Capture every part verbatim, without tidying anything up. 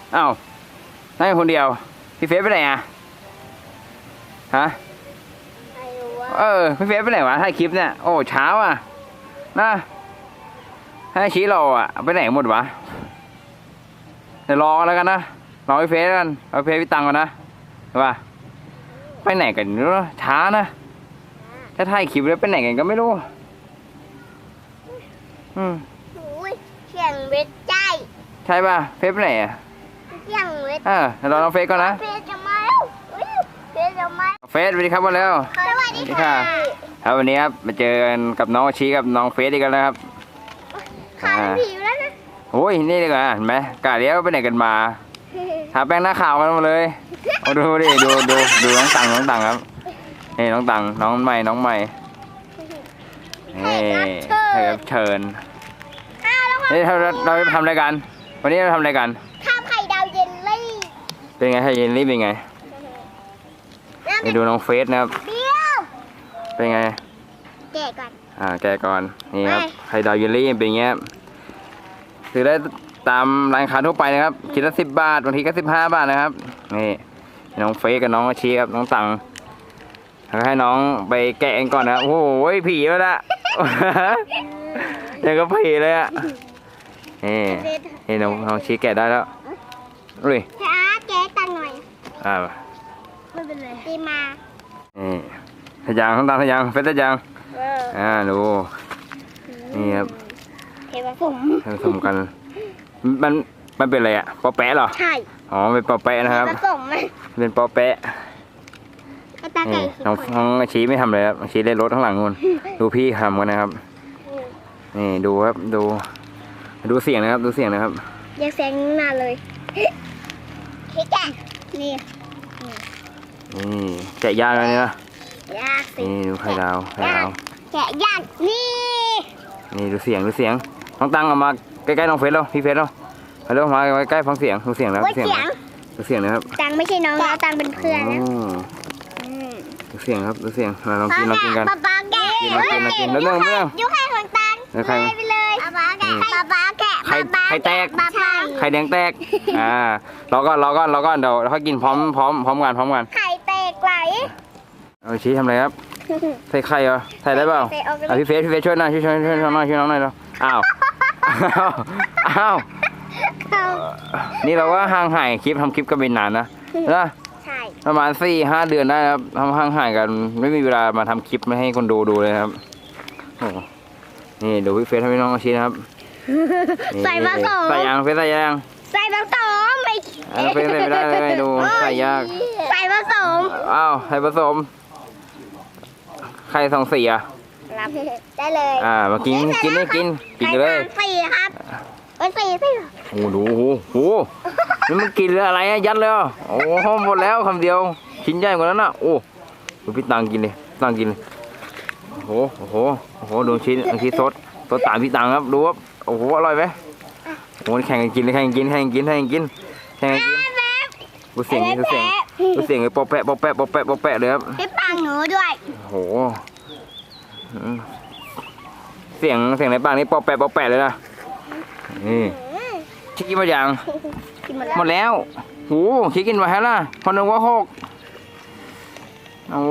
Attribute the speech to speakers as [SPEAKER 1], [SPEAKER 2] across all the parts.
[SPEAKER 1] อ้าวนั่งคนเดียวพี่เฟซไปไหนอ่ะฮะเออพี่เฟซไปไหนวะถ่ายคลิปเนี่ยโอ้เช้าอ่ะนะให้ชี้รออ่ะไปไหนหมดวะเดี๋ยวรอแล้วกันนะรอพี่เฟซกันรอพี่เฟซพี่ตังก่อนนะใช่ป่ะไปไหนกันเนาะช้านะถ้าถ่ายคลิปแล้วไปไหนกันก็ไม่รู้อืม
[SPEAKER 2] เสียงเวทใจ
[SPEAKER 1] ใช่ป่ะเฟซไปไหนอ่ะ
[SPEAKER 2] เสียงเวท
[SPEAKER 1] เออเดี๋ยวรอน้องเฟซก่อนนะ
[SPEAKER 2] เฟซจะมาแล้วเฟซจะมา
[SPEAKER 1] เฟซสวัสดีครับมาแล้ว
[SPEAKER 2] สวัสดีค่ะ
[SPEAKER 1] ครับวันนี้ครับมาเจอกันกับน้องชีกับน้องเฟซอีกแล้วนะครับ
[SPEAKER 2] ขาผิวแล้วนะ
[SPEAKER 1] โอ้ยนี่เลยเห็นไหมกาเลี้ยวไปไหนกันมาทาแป้งหน้าขาวกันมาเลยดูดิดูดูดูน้องตังน้องตังครับนี่น้องตังน้องใหม่น้องใหม่นี่รับเชิญนี่เราเราไปทำอะไรกันวันนี้เราทำอะไรกัน
[SPEAKER 2] ทำไข่ดาวเยลลี่
[SPEAKER 1] เป็นไงไข่เยลลี่เป็นไงนี่ดูน้องเฟสนะครับเป็นไง
[SPEAKER 2] แกะก่อน
[SPEAKER 1] อ่าแกะก่อนนี่ครับไข่ดาวเยลลี่เป็นเงี้ยซื้อได้ตามร้านค้าทั่วไปนะครับชิ้นละสิบบาทบางทีก็สิบห้าบาทนะครับนี่น้องเฟสกับน้องอาชีครับน้องตังแล้วให้น้องไปแกะก่อนนะโอ้โหผีแล้วละยังก็ผีเลยอ่ะนี่นี่น้องน้องชีแกะได้แล้วอุ้ย
[SPEAKER 2] ช้าแกะตังหน่อย
[SPEAKER 1] อ่า
[SPEAKER 2] ไม่เป็นไรตีมา
[SPEAKER 1] นี่ทะยางน้องตังทะยางเฟสทะยางอ่าดูนี่ครับ
[SPEAKER 2] เทผสม
[SPEAKER 1] ผสมกันมันมันเป็นอะไรอ่ะปอแปะเหรอ
[SPEAKER 2] ใช่
[SPEAKER 1] อ๋อเป็นปอแปะนะครับ
[SPEAKER 2] ผสมไหม
[SPEAKER 1] เป็นปอแปะนี่น้องน้องชี้ไม่ทำเลยครับชี้เล่นรถข้างหลังนู่นดูพี่ทำกันนะครับนี่ดูครับดูดูเสียงนะครับดูเสียงนะครับ
[SPEAKER 2] อย่าแซงหน้าเลยแกะนี่
[SPEAKER 1] นี่แกะยากเลยนะ
[SPEAKER 2] ยากสิ
[SPEAKER 1] นี่ดูไข่ดาวไข่ดาว
[SPEAKER 2] แกะยากนี่
[SPEAKER 1] นี่ดูเสียงดูเสียงน้องตังเอามาใกล้ๆน้องเฟสแล้วพี่เฟสแล้วไปแล้วมาใกล้ฟังเสียงดูเสียงแล้วเสียงดูเสียงนะครับ
[SPEAKER 2] ตังไม่ใช่น้องแล้วตังเป็นเพื่อนนะ
[SPEAKER 1] ดูเสียงครับดูเสียงเราลองกินลองกินกัน
[SPEAKER 2] ป๊าป๊าแกะ
[SPEAKER 1] กินลองกินลองกินแล้วเรื่องเรื่อง
[SPEAKER 2] ยุคไข่ของตังเลยไปเลยป๊าป๊าแกะป๊าป๊าแกะ
[SPEAKER 1] ไข่ไข่แตกไข่แดงแตกอ่ารอก่อนรอก่อนรอก่อนเดี๋ยวเขากินพร้อมพร้อมพร้อมกันพร้อมกัน
[SPEAKER 2] ไข่แตกไหล
[SPEAKER 1] เอาชี้ทำอะไรครับใส่ไข่เหรอใส่ได้เปล่าอ่ะพี่เฟสพี่เฟสช่วยหน่อยช่วยช่วยช่วยช่วยน้อยช่วยน้องหน่อยเราอ้าวอ้าวนี่เราก็ห่างหายคลิปทำคลิปกันเป็นนานนะนะประมาณสี่ห้าเดือนได้ครับทำห่างหายกันไม่มีเวลามาทำคลิปไม่ให้คนดูดูเลยครับโอ้นี่ดูพี่เฟสทำให้น้องอาชีนะครับ
[SPEAKER 2] ใส่ผสม
[SPEAKER 1] ใส่ยางเฟสใส่ยาง
[SPEAKER 2] ใส่ผสมไม่
[SPEAKER 1] เฟสใส่ไม่ได้เลยดูใส่ยาก
[SPEAKER 2] ใส่ผสม
[SPEAKER 1] อ้าวใส่ผสมไข่สองสีอ่ะ
[SPEAKER 2] ได้เลย
[SPEAKER 1] อ่ามากินกินได้กินกินเลย
[SPEAKER 2] สี่ครับเอ้ยสี่สิ
[SPEAKER 1] โอ้ดูโอ้โหนี่มันกินอะไรอะยัดเลยโอ้โหหมดแล้วคำเดียวชิ้นใหญ่กว่านั้นอ่ะโอ้ดูพี่ตังกินเลยตังกินเลยโอ้โหโอ้โหโอ้โหดูชิ้นอันที่สดสดตามพี่ตังครับดูครับโอ้โหอร่อยไหมโอ้แข่งกันกินเลยแข่งกันกินแข่งกันกินแข่งกันกินแข่งกันกินดูเสียงดูเสียงดูเสียงไอ้ปอแปะปอแปะปอแปะปอแปะเลยครับ
[SPEAKER 2] พี่ตังหนูด้วย
[SPEAKER 1] โอ้โหเสียงเสียงในปากนี่ปอแปะปอแปะเลยนะนี่ชิคกี้พายยังหมดแล้วโอ้ชิคกินมาแล้วล่ะพอนึกว่าหกโอ้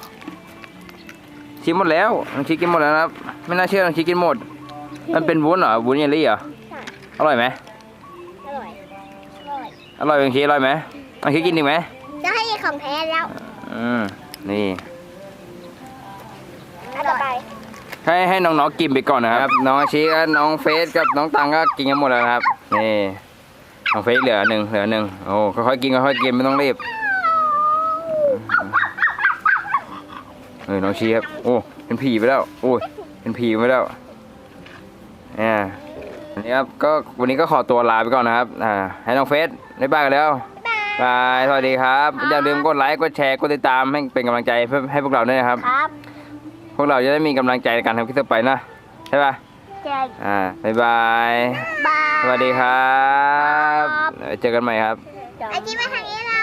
[SPEAKER 1] ชิคหมดแล้วชิคกินหมดแล้วครับไม่น่าเชื่อชิคกินหมดมันเป็นวุ้นเหรอวุ้นเยลลี่เหรออร่อยไหม
[SPEAKER 2] อร่อย
[SPEAKER 1] อร่อยเป็นชีอร่อยไหมเอาชิคกินดีไหม
[SPEAKER 2] จะให้ของแท้แล้ว
[SPEAKER 1] อืมนี่
[SPEAKER 2] ต่อไป
[SPEAKER 1] ให้ให้น้องๆกินไปก่อนนะครับน้องอาชีกับน้องเฟสกับน้องตังก็กินกันหมดแล้วครับนี่น้องเฟสเหลือหนึ่งเหลือหนึ่งโอ้ค่อยๆกินค่อยๆกินไม่ต้องรีบเออน้องชีครับโอ้เป็นผีไปแล้วโอ้ยเป็นผีไปแล้วเนี่ยวันนี้ครับก็วันนี้ก็ขอตัวลาไปก่อนนะครับอ่าให้น้องเฟสได้บายกันแล้วบายสวัสดีครับอย่าลืมกดไลค์กดแชร์กดติดตามให้เป็นกำลังใจเพื่อให้พวกเราด้วยนะครับพวกเราจะได้มีกำลังใจในการทำคลิปต่อไปนะใช่ป่ะใช่อ่าบ๊ายบายสวัสดีครับเจอกันใหม่ครับ
[SPEAKER 2] ไอจิ๊บมาทางนี้นะ